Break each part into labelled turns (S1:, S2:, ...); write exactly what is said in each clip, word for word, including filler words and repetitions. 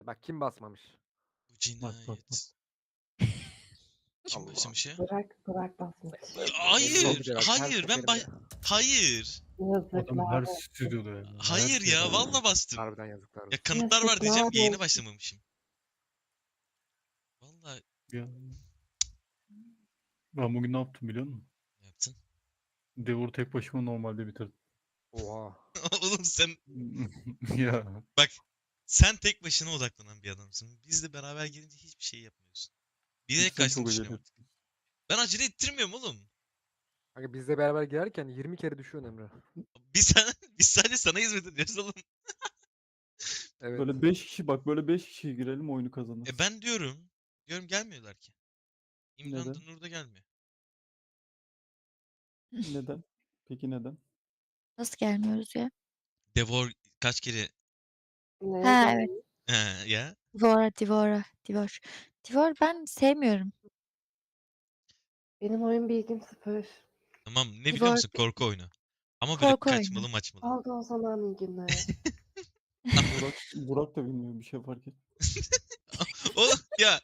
S1: Bak kim basmamış?
S2: Bu
S3: Bak bak bak.
S2: cinayet. Kim
S1: Allah.
S2: başlamış ya?
S4: Bırak bırak basmış.
S1: Emin
S2: Hayır,
S1: ol bir de bak, her
S2: hayır ben ba
S1: seferinde.
S2: hayır.
S3: Adam her
S4: Yazıklar olsun.
S3: stüdyoda ya. her
S2: Hayır ya
S3: şeyde.
S2: valla bastım.
S1: Harbiden yazıklar
S2: Ya
S1: olsun.
S2: kanıtlar var diyeceğim
S4: Yazıklar
S2: yayını
S4: olsun.
S2: başlamamışım. Vallahi
S3: Ya. Ben bugün ne yaptım biliyor musun?
S2: ne yaptın?
S3: Devur tek başıma normalde bitirdim.
S1: Oha.
S2: Oğlum sen
S3: Ya.
S2: bak sen tek başına odaklanan bir adamsın. Bizle beraber gelince hiçbir şey yapmıyorsun. Bilerek
S3: Sen
S2: kaçtığını
S3: çok acele
S2: düşünüyorum
S3: ettin.
S2: artık. Ben acele ettirmiyorum oğlum.
S1: Kanka bizle beraber girerken yirmi kere düşüyorsun Emre.
S2: Biz, sen, biz sadece sana hizmet ediyoruz oğlum.
S1: Evet.
S3: Böyle beş kişi bak böyle beş kişi girelim oyunu kazanırız.
S2: E ben diyorum. Diyorum gelmiyorlar ki. İmran da
S3: Neden?
S2: Nur da gelmiyor.
S3: Neden? Peki neden?
S5: Nasıl gelmiyoruz ya?
S2: Devor kaç kere
S4: Neye
S5: Ha,
S4: göre?
S5: evet.
S2: He, ya.
S5: Divora, Divora, Divor. Divor ben sevmiyorum.
S4: Benim oyun bilgim sıfır.
S2: Tamam ne biliyor
S5: Divor
S2: musun? Korku oyunu. Ama böyle
S5: korku oyunu.
S2: kaçmalı maçmalı.
S4: Oldu o zaman iyi günler.
S3: Burak, Burak da bilmiyor bir şey fark et.
S2: Oğlum ya.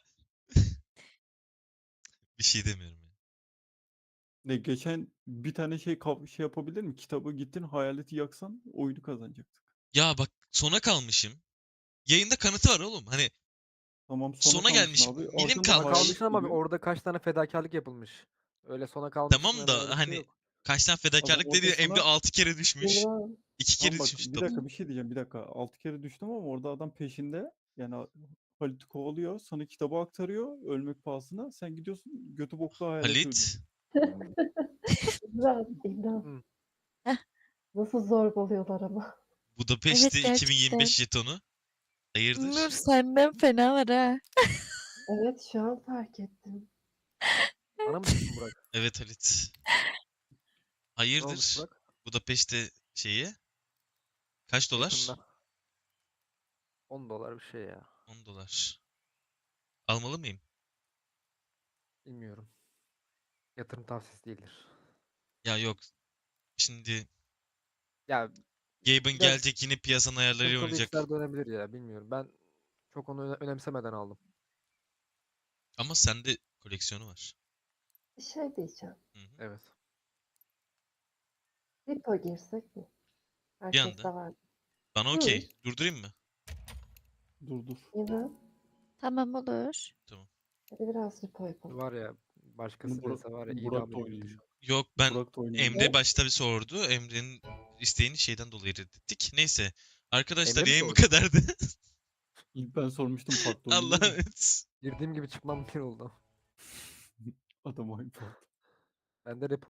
S2: Bir şey demiyorum ya.
S3: Ne geçen bir tane şey kav- şey yapabilir mi? Kitabı gittin hayaleti yaksan oyunu kazanacaktık.
S2: Ya bak sona kalmışım. Yayında kanıtı var oğlum. Hani
S3: Tamam sona
S2: Sona
S3: kalmışsın
S2: gelmişim.
S3: abi.
S2: Milim
S3: Arkanda
S2: kalmış.
S1: Sona
S3: hayalet
S1: kalmışsın ama
S3: geliyor.
S1: orada kaç tane fedakarlık yapılmış. Öyle sona kalmışsın
S2: tamam
S1: hemen öyle
S2: da
S1: bir şey
S2: hani
S1: yok.
S2: kaç tane
S3: Adam
S2: fedakarlık dedi. Emre
S3: ortasına
S2: altı kere düşmüş.
S4: İmran.
S2: iki
S3: Tamam
S2: kere
S3: bak
S2: düşmüş
S3: bir
S2: kitap.
S3: dakika bir şey diyeceğim bir dakika. Altı kere düştüm ama orada adam peşinde. Yani Halit'i kovalıyor. Sana kitabı aktarıyor. Ölmek pahasına. Sen gidiyorsun götü boklu hayaleti öldürüyorsun.
S2: Halit.
S4: İmran. İmran.
S1: Hı.
S5: Heh.
S4: Nasıl zorbalıyorlar ama.
S2: Budapest'te
S5: Evet,
S2: iki bin yirmi beş jetonu.
S5: Nur
S2: Hayırdır?
S5: senden fena var ha.
S4: Evet şu an fark ettim.
S1: Bana mı düştün Burak?
S2: Evet Halit.
S1: Ne olmuş
S2: Hayırdır?
S1: Burak?
S2: Budapest'te şeyi. Kaç dolar?
S1: Yakında. on dolar bir şey ya.
S2: on dolar. Almalı mıyım?
S1: Bilmiyorum. Yatırım tavsiyesi değildir.
S2: Ya yok. Şimdi
S1: Ya
S2: Gaben
S1: biraz
S2: gelecek yine piyasanın ayarlarıyla
S1: sıkıntılı
S2: oynayacak.
S1: işler dönebilir ya bilmiyorum. Ben çok onu öne- önemsemeden aldım.
S2: Ama sende koleksiyonu var.
S4: Bir şey diyeceğim.
S2: Hı hı.
S1: Evet.
S4: Repo girsek mi?
S2: Bir
S4: Herkes
S2: anda.
S4: de var.
S2: Bana
S4: Hı.
S2: okey. Durdurayım mı?
S3: Dur dur.
S4: İmran.
S5: Tamam olur.
S2: Tamam.
S4: Hadi biraz repo yapalım.
S1: Var ya başkası
S3: Burak,
S1: dese var ya
S3: Burak
S1: idam
S3: da
S1: edilirdi
S3: oynuyor.
S1: şu an.
S2: Yok ben
S3: Burak da oynuyor.
S2: Emre başta bir sordu. Emre'nin isteğini şeyden dolayı reddettik. Neyse. Arkadaşlar
S1: Emre mi
S2: yayın bu
S1: sordu?
S2: kadardı.
S3: İlk ben sormuştum farklı
S2: Allah'a
S3: oynuyor.
S2: emanet.
S1: Girdiğim gibi çıkmam bir oldu.
S3: Adam oyun farklı.
S1: Ben de rap